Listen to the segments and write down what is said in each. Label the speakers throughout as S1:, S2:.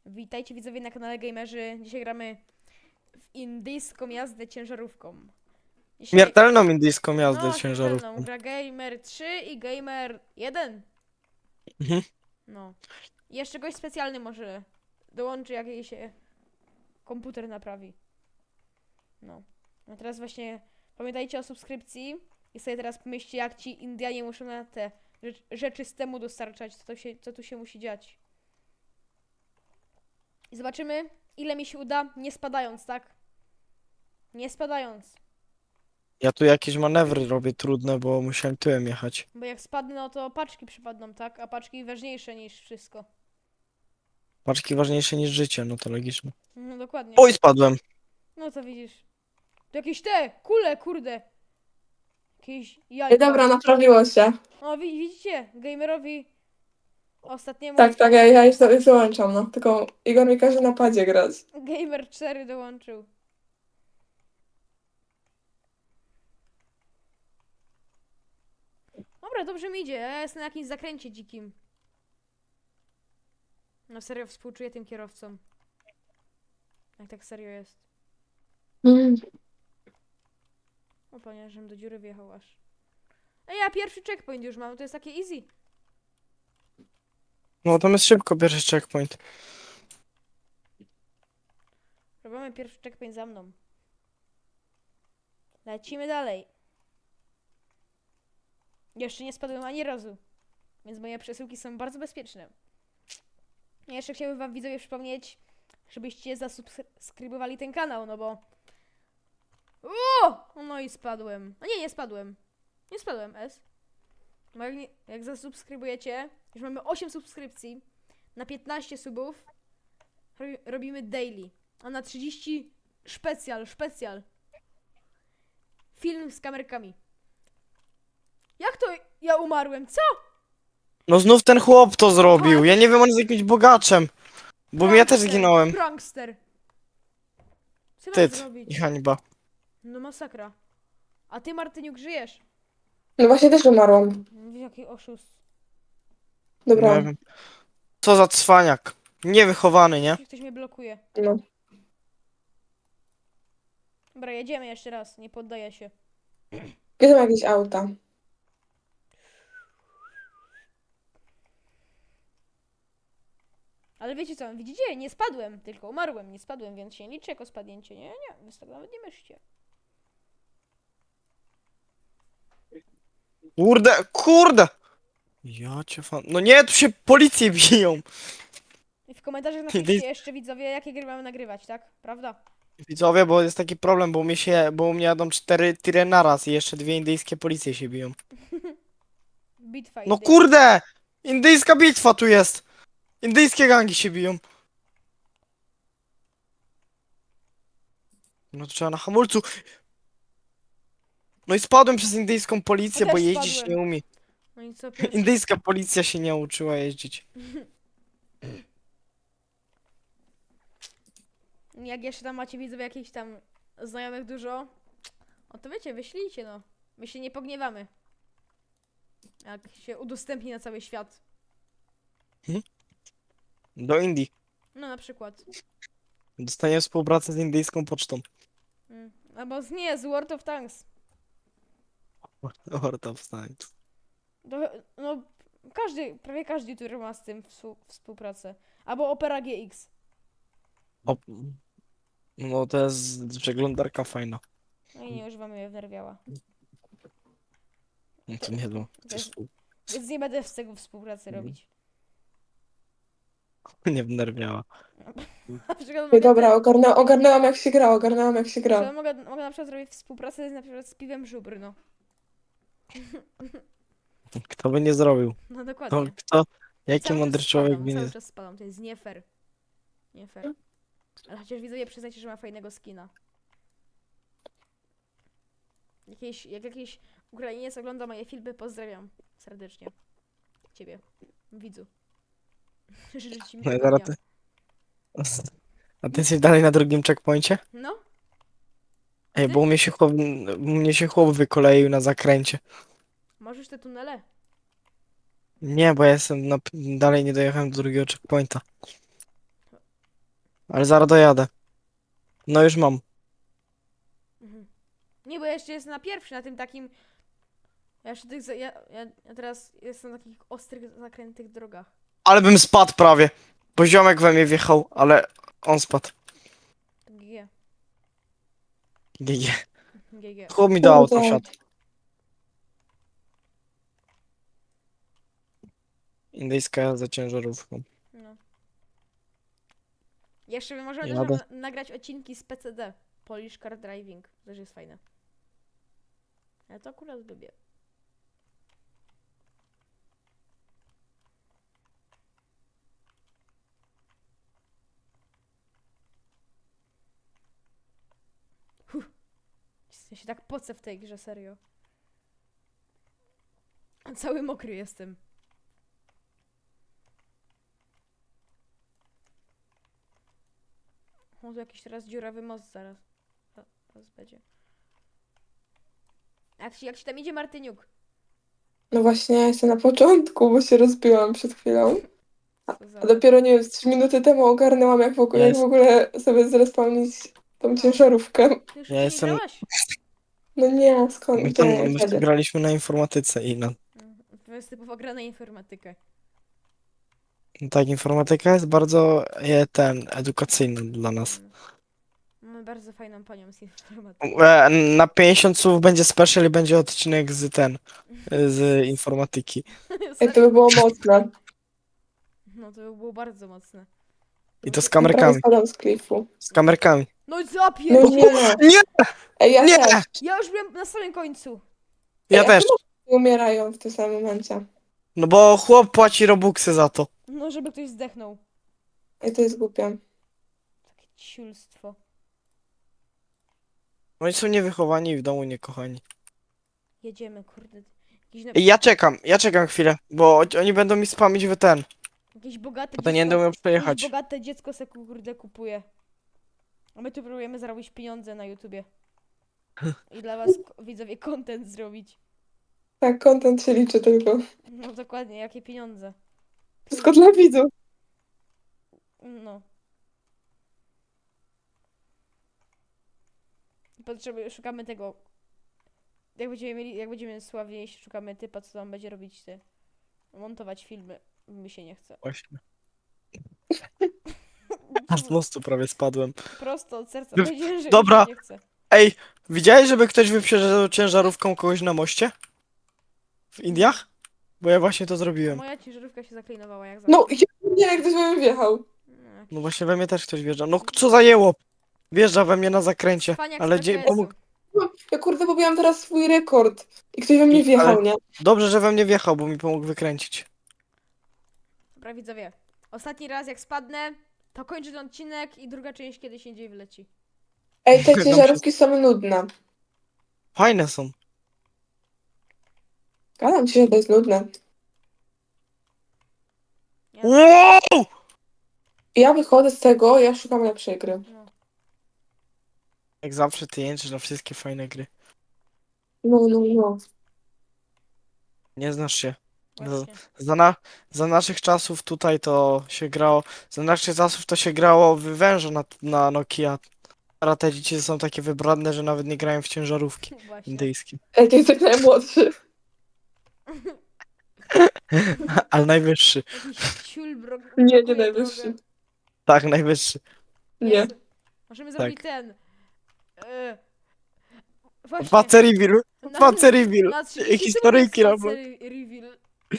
S1: Witajcie widzowie na kanale Gamerzy. Dzisiaj gramy w indyjską jazdę ciężarówką. Dzisiaj,
S2: Śmiertelną indyjską jazdę
S1: no śmiertelną,
S2: ciężarówką.
S1: gra Gamer 3 i Gamer 1.
S2: Mhm.
S1: No. I jeszcze gość specjalny może dołączy, jak jej się komputer naprawi. No. A teraz właśnie pamiętajcie o subskrypcji i sobie teraz pomyślcie, jak ci Indianie muszą na te rzeczy z temu dostarczać, co tu się musi dziać. I zobaczymy, ile mi się uda, nie spadając, tak? Nie spadając.
S2: Ja tu jakieś manewry robię trudne, bo musiałem tyłem jechać.
S1: Bo jak spadnę, no to paczki przypadną, tak? A paczki ważniejsze niż wszystko.
S2: Paczki ważniejsze niż życie, no to logiczne.
S1: No dokładnie.
S2: Oj, spadłem.
S1: No to widzisz. To jakieś te kule, kurde. Jakieś
S3: Ej,
S1: jajka.
S3: dobra, naprawiło się.
S1: O, widzicie? Gamerowi ostatniemu
S3: Tak, ja już wyłączam, no. Tylko Igor mi każe na padzie grać.
S1: Gamer 4 dołączył. Dobra, dobrze mi idzie. Ja jestem na jakimś zakręcie dzikim. No serio współczuję tym kierowcom. Jak tak serio jest. O panie, żebym do dziury wjechał aż. Ej, ja pierwszy checkpoint już mam, to jest takie easy.
S2: No tam jest szybko pierwszy checkpoint.
S1: Robimy pierwszy checkpoint za mną. Lecimy dalej. Jeszcze nie spadłem ani razu, więc moje przesyłki są bardzo bezpieczne. Ja jeszcze chciałbym wam widzowie przypomnieć, żebyście zasubskrybowali ten kanał, no bo... No i spadłem. A nie, nie spadłem. Nie spadłem, S. Bo jak zasubskrybujecie, już mamy 8 subskrypcji, na 15 subów robimy daily, a na 30 specjal. Film z kamerkami. Jak to ja umarłem? Co?
S2: No znów ten chłop to zrobił. Ja nie wiem, on jest jakimś bogaczem. Bo ja też zginąłem.
S1: Prankster. Co mam
S2: Wstyd
S1: zrobić?
S2: i hańba.
S1: No masakra. A ty, Martyniuk, żyjesz?
S3: No właśnie też umarłam.
S1: Jaki oszust.
S3: Dobra,
S2: Nie wiem. Co za cwaniak. Niewychowany, nie?
S1: Ktoś mnie blokuje.
S3: no.
S1: Dobra, jedziemy jeszcze raz. Nie poddaję się.
S3: Gdzie są jakieś auta?
S1: Ale wiecie co? Widzicie? Nie spadłem. Tylko umarłem. Nie spadłem, więc się nie liczy jako spadnięcie. Nie. Więc tak nawet nie myślcie.
S2: Kurde! Ja cię fan... No nie, tu się policje biją.
S1: I w komentarzach napiszcie jeszcze widzowie, jakie gry mamy nagrywać, tak? Prawda?
S2: Widzowie, bo jest taki problem, bo u mnie jadą 4 tiry naraz i jeszcze 2 indyjskie policje się biją.
S1: Bitwa
S2: No
S1: indyjska.
S2: kurde! Indyjska bitwa tu jest! Indyjskie gangi się biją. No to trzeba na hamulcu. No i spadłem przez indyjską policję,
S1: Ja
S2: bo
S1: też
S2: jeździć
S1: spadłem.
S2: nie umie.
S1: No i co pierwszy?
S2: Indyjska policja się nie uczyła jeździć.
S1: Jak jeszcze tam macie widzowie jakichś tam znajomych dużo, o to wiecie, wyślijcie no. My się nie pogniewamy. Jak się udostępni na cały świat.
S2: Do Indii.
S1: No na przykład.
S2: Dostanie współpracę z indyjską pocztą.
S1: Albo nie, z World of Tanks.
S2: Horta wstań.
S1: No prawie każdy youtuber ma z tym współpracę. Albo Opera GX.
S2: O, no to jest przeglądarka fajna.
S1: No i nie używamy jej wnerwiała.
S2: No to nie wiem.
S1: To jest, więc nie będę z tego współpracy robić.
S2: Nie wnerwiała.
S1: Na przykład
S3: Ej,
S1: mogę,
S3: dobra, ogarnęłam jak się gra, ogarnęłam jak się
S1: na przykład
S3: gra.
S1: mogę na przykład zrobić współpracę na przykład z piwem żubr, no.
S2: Kto by nie zrobił?
S1: No
S2: Kto,
S1: dokładnie.
S2: jaki
S1: Cały
S2: mądry
S1: czas
S2: człowiek
S1: spadam,
S2: by nie...
S1: cały czas spadam, to jest nie fair. Nie fair. Ale chociaż widzowie przyznajcie, że ma fajnego skina. Jak jakiś Ukrainiec ogląda moje filmy, pozdrawiam serdecznie. Ciebie, widzu. Życzę ci
S2: No i
S1: miłego
S2: zaraz
S1: dnia.
S2: ty... A ty jesteś dalej na drugim checkpoincie?
S1: No,
S2: Ej,
S1: ty?
S2: bo u mnie się chłop wykoleił na zakręcie.
S1: Możesz te tunele?
S2: Nie, bo ja jestem dalej nie dojechałem do drugiego checkpointa. Ale zaraz dojadę. No już mam.
S1: Mhm. Nie, bo ja jeszcze jestem na pierwszy, na tym takim... Ja jeszcze tych... Ja teraz jestem na takich ostrych, zakrętych drogach.
S2: Ale bym spadł prawie. Bo ziomek we mnie wjechał, ale on spadł.
S1: GG.
S2: GG.
S1: GG.
S2: Chłop mi do auta
S3: Kurde.
S2: wsiadł. Indyjska jazda ciężarówką.
S1: No. Jeszcze możemy
S2: Jadę.
S1: też nagrać odcinki z PCD. Polish Car Driving. Też jest fajne. Ja to akurat lubię. Ja się tak pocę w tej grze, serio. Cały mokry jestem. O, tu jakiś teraz dziurawy most zaraz. Zaraz będzie. Jak się tam idzie, Martyniuk?
S3: No właśnie, ja jestem na początku, bo się rozbiłam przed chwilą.
S1: Co za...
S3: A dopiero, nie wiem, z 3 minuty temu ogarnęłam,
S2: Ja
S3: jak w ogóle sobie zrespawnić tą
S1: No.
S3: ciężarówkę.
S1: Ty już
S2: Ja
S1: nie
S2: jestem-
S1: grałaś?
S3: No nie, skąd,
S2: My,
S3: gdzie,
S2: my w to
S3: kiedy?
S2: graliśmy na informatyce i na...
S1: To jest typowo gra na informatykę.
S2: Tak, informatyka jest bardzo edukacyjna dla nas.
S1: Mamy bardzo fajną panią z informatyki.
S2: Na 50 słów będzie special i będzie odcinek z informatyki.
S3: Ej, to by było mocne.
S1: No to by było bardzo mocne.
S2: I to z
S3: Prawie
S2: kamerkami.
S3: spadam z klifu.
S2: Z kamerkami.
S1: No i
S3: No
S1: zapier...
S3: nie.
S2: Nie!
S3: Ej, ja
S2: Nie!
S3: też.
S1: Ja już byłem na samym końcu.
S2: Ja
S3: Ej, a
S2: też.
S3: czemu oni umierają w tym samym momencie?
S2: No bo chłop płaci robuxy za to.
S1: No, żeby ktoś zdechnął.
S3: Ej, to jest głupie.
S1: Takie ciulstwo.
S2: Oni są niewychowani i w domu niekochani.
S1: Jedziemy, kurde. Jakiś,
S2: Ej, ja czekam chwilę, bo oni będą mi spamić w ten.
S1: jakieś bogate
S2: Potem nie będę
S1: dziecko...
S2: umiał przejechać.
S1: Jakieś bogate dziecko se kurde kupuje. A my tu próbujemy zarobić pieniądze na YouTubie. I dla was, widzowie, content zrobić.
S3: Tak, content się liczy tylko.
S1: No dokładnie, jakie pieniądze.
S3: Wszystko dla widzów.
S1: No. Szukamy tego. Jak będziemy sławniejsi, szukamy typa, co tam będzie robić montować filmy. Mi się nie chce.
S2: Właśnie. A z mostu prawie spadłem.
S1: Prosto od serca
S2: No,
S1: powiedziałem, że
S2: dobra.
S1: mi się nie chce.
S2: Ej, widziałeś, żeby ktoś wyprzedzał ciężarówką kogoś na moście? W Indiach? Bo ja właśnie to zrobiłem.
S1: Moja ciężarówka się zaklinowała jak
S3: No,
S1: zawsze.
S3: nie, jak ktoś we mnie wjechał.
S1: No, jakiś
S2: No właśnie we mnie też ktoś wjeżdża. No co za jełop? Wjeżdża we mnie na zakręcie.
S1: cwaniak
S2: Ale
S1: z
S2: gdzie
S1: PKS-u.
S2: pomógł?
S3: Ja kurde pobiłam teraz swój rekord. I ktoś we mnie wjechał,
S2: ale-
S3: nie?
S2: Dobrze, że we mnie wjechał, bo mi pomógł wykręcić.
S1: Dobra, widzowie. Ostatni raz jak spadnę, to kończę ten odcinek i druga część kiedyś indziej wyleci.
S3: Ej, te
S2: Tam
S3: ciężarówki są nudne.
S2: Fajne są.
S3: Gadam ci, że to jest nudne.
S2: Wow!
S3: Ja wychodzę z tego, ja szukam lepszej gry.
S1: No.
S2: Jak zawsze ty jęczysz na wszystkie fajne gry.
S3: No.
S2: Nie znasz się.
S1: Właśnie.
S2: Za naszych czasów tutaj to się grało. Za naszych czasów to się grało w węża na Nokia. Teraz te dzieci są takie wybredne, że nawet nie grają w ciężarówki
S1: Właśnie.
S2: indyjskie.
S3: Ej, ty jesteś najmłodszy.
S2: Ale najwyższy.
S1: Jakiś ciulbrok.
S3: Nie
S1: blokuje
S3: najwyższy.
S1: drogę.
S2: Tak, najwyższy.
S3: Nie.
S1: Jezu. Możemy
S2: Tak.
S1: zrobić ten. Właśnie.
S2: Face reveal.
S1: Na-
S2: Face reveal.
S1: na 30
S2: Historyjki
S1: sekund
S2: Roblox.
S1: jest face reveal.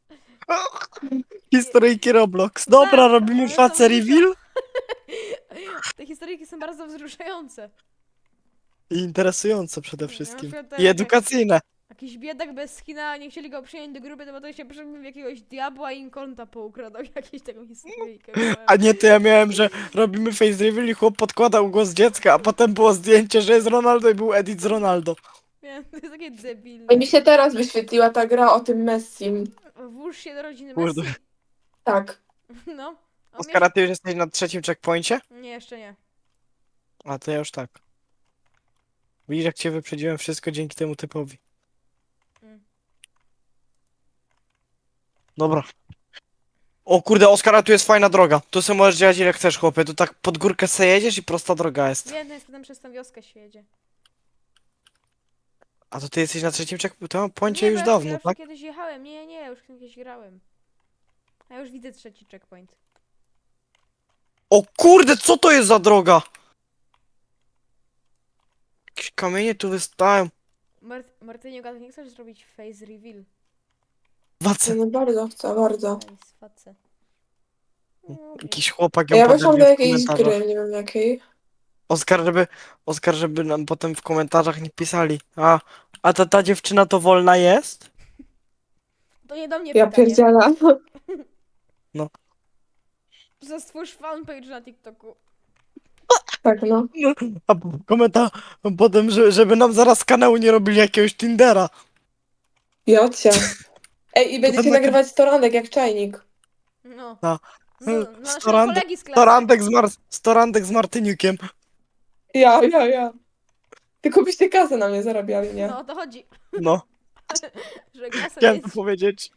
S2: Historyjki Roblox. Dobra,
S1: Tak,
S2: robimy
S1: one są
S2: face reveal.
S1: Te historyjki są bardzo wzruszające.
S2: I interesujące przede
S1: Na
S2: wszystkim.
S1: przykład
S2: I edukacyjne.
S1: Jakiś biedak bez skina, nie chcieli go przyjąć do grupy, to się przebił w jakiegoś diabła i im konta poukradał. Jakieś taką historyjkę.
S2: A nie, to ja miałem, że robimy face reveal i chłop podkładał głos dziecka, a potem było zdjęcie, że jest Ronaldo i był edit z Ronaldo.
S1: Nie, to jest takie debilne.
S3: Ej, mi się teraz wyświetliła ta gra o tym Messim.
S1: Włóż się do rodziny
S2: Kurde.
S1: Messi.
S3: Tak.
S1: No. A
S2: Oskara, ty już jesteś na trzecim checkpoincie?
S1: Nie, jeszcze nie.
S2: A to ja już tak. Widzisz, jak cię wyprzedziłem wszystko dzięki temu typowi.
S1: Mm.
S2: Dobra. O kurde, Oskara, tu jest fajna droga. Tu sobie możesz działać ile chcesz, chłopie. Tu tak pod górkę se jedziesz i prosta droga jest.
S1: Wiem, jest potem przez tą wioskę się jedzie.
S2: A to ty jesteś na trzecim checkpoincie
S1: Nie,
S2: już
S1: bo
S2: dawno,
S1: ja już
S2: tak?
S1: kiedyś jechałem. Nie, już kiedyś grałem. A ja już widzę trzeci checkpoint.
S2: O kurde, co to jest za droga? Jakieś kamienie tu wystają.
S1: Martyniu, a ty nie chcesz zrobić face reveal?
S2: Wace.
S3: No bardzo chcę, bardzo.
S1: Face, face. No,
S2: Jakiś chłopak ją
S3: Ja weszłam do
S2: poderwie w
S3: jakiejś
S2: komentarzach.
S3: gry, nie wiem jakiej.
S2: Oskar, żeby nam potem w komentarzach nie pisali. A ta dziewczyna to wolna jest?
S1: to nie do mnie
S3: Ja
S1: pytanie.
S3: pierdzielę.
S1: Stwórz fanpage na TikToku.
S3: Tak, no.
S2: A komentarz potem, żeby nam zaraz z kanału nie robili jakiegoś Tindera.
S3: Jocia. Ej, i będziecie
S2: Potem
S3: nagrywać toranek jak czajnik.
S1: No.
S2: No.
S1: No, no naszego
S2: Storandek-
S1: kolegi z klasy.
S2: Storandek z Martyniukiem.
S3: Ja. Tylko byście kasę na mnie zarabiali, nie?
S1: No o to chodzi.
S2: No,
S1: Że kasę
S2: chciałem
S1: mieć.
S2: to powiedzieć.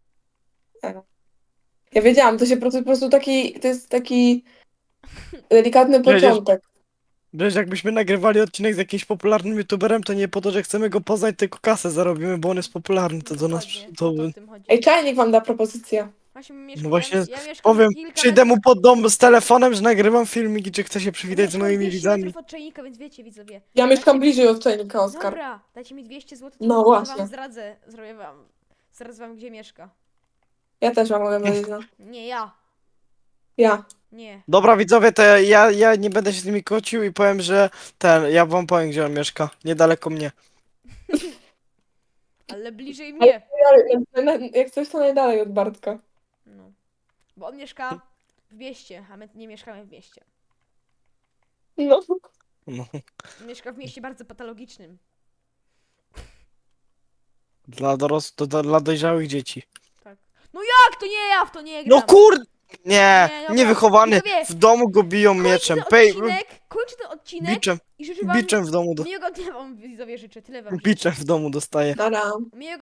S3: Ja wiedziałam, po prostu taki, to jest taki delikatny
S2: Przecież-
S3: początek.
S2: Wiesz, jakbyśmy nagrywali odcinek z jakimś popularnym youtuberem, to nie po to, że chcemy go poznać, tylko kasę zarobimy, bo on jest popularny, to do nas...
S1: Dokładnie,
S2: To,
S1: o to w tym chodzi.
S3: Ej, czajnik wam da propozycję.
S1: Właśnie,
S2: No właśnie,
S1: ja mieszkam
S2: powiem,
S1: kilka
S2: przyjdę
S1: metrów-
S2: mu pod dom z telefonem, że nagrywam filmiki, czy chce się przywitać z
S1: mieszkam
S2: moimi
S1: 200
S2: widzami.
S1: metrów od czajnika, więc wiecie, widzowie.
S3: Ja mieszkam
S1: Dajcie-
S3: bliżej od czajnika, Oskar.
S1: Dobra, dajcie mi 200 zł, to
S3: No
S1: ja
S3: właśnie.
S1: wam zdradzę. Zdradzę wam, gdzie mieszka.
S3: Ja też mam mogę Melina.
S1: Nie, ja.
S3: Ja.
S1: Nie.
S2: Dobra widzowie, to ja nie będę się z nimi kłócił i powiem, że ja wam powiem, gdzie on mieszka. Niedaleko mnie.
S1: Ale bliżej mnie.
S3: Jak coś, to najdalej od Bartka.
S1: No. Bo on mieszka w mieście, a my nie mieszkamy w mieście.
S3: No.
S2: No,
S1: On mieszka w mieście bardzo patologicznym.
S2: dla dojrzałych dzieci.
S1: Tak. No jak to nie ja w to nie gram?
S2: No kurde! Nie,
S1: Nie, dobra.
S2: niewychowany.
S1: Widzowie,
S2: W domu go biją mieczem.
S1: Kończę ten odcinek
S2: Biczem,
S1: i życzę wam
S2: biczem w domu,
S1: miłego dnia wam widzowie życzę. Tyle wam życzę.
S2: biczem w domu dostaje.
S3: Nara.
S1: Miłego